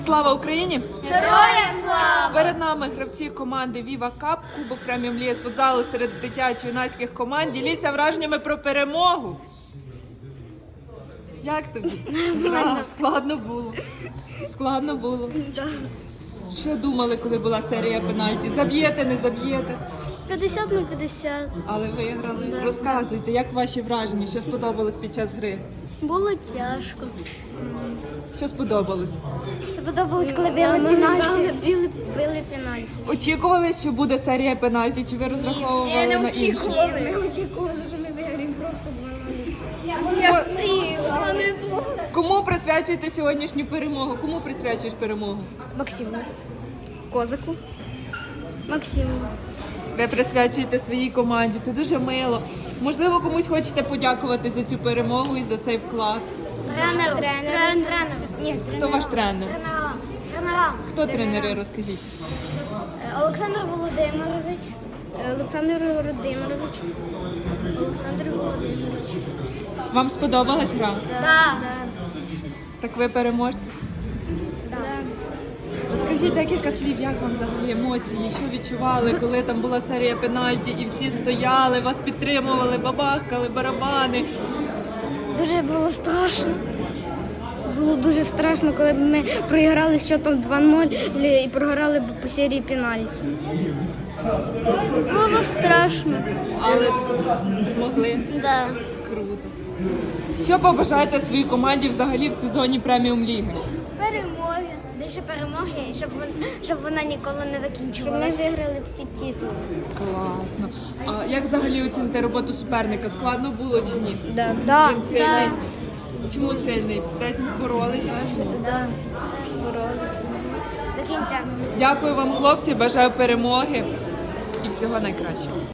Слава Україні! Героям слава! Перед нами гравці команди Viva Cup, Кубок преміум ліги з футзалу серед дитячо-юнацьких команд. Діліться враженнями про перемогу. Як тобі? Складно було. Складно було. Що думали, коли була серія пенальті? Заб'єте, не заб'єте? 50 на 50. Але виграли. Розказуйте, як ваші враження? Що сподобалось під час гри? Було тяжко. Що сподобалось? Сподобалось, коли били пенальті. Били пенальті. Очікували, що буде серія пенальті, чи ви розраховували на інше? Ми очікували, що ми виграємо просто 2-0. Кому присвячуєте сьогоднішню перемогу? Кому присвячуєш перемогу? Максиму. Козаку. Максиму. Ви присвячуєте своїй команді. Це дуже мило. Можливо, комусь хочете подякувати за цю перемогу і за цей вклад. Тренер. Ні, Хто ваш тренер? Тренера. Хто тренери? Розкажіть. Олександр Володимирович. Олександр Володимирович. Вам сподобалась гра? Так. Так ви переможці. Розкажіть декілька слів, як вам взагалі емоції, що відчували, коли там була серія пенальті і всі стояли, вас підтримували, бабахкали, барабани. Дуже було страшно. Було дуже страшно, коли б ми проіграли з счетом 2-0 і програли б по серії пенальті. Було страшно. Але змогли. Да. Круто. Що побажаєте своїй команді взагалі в сезоні преміум ліги? Перемоги. Більше перемоги, щоб вона ніколи не закінчувалася. Щоб ми виграли всі титули. Класно. А як взагалі оціните роботу суперника? Складно було чи ні? Да. Він сильний? Чому сильний? Десь боролися? Чому? Да. Боролися. До кінця. Дякую вам, хлопці, бажаю перемоги і всього найкращого.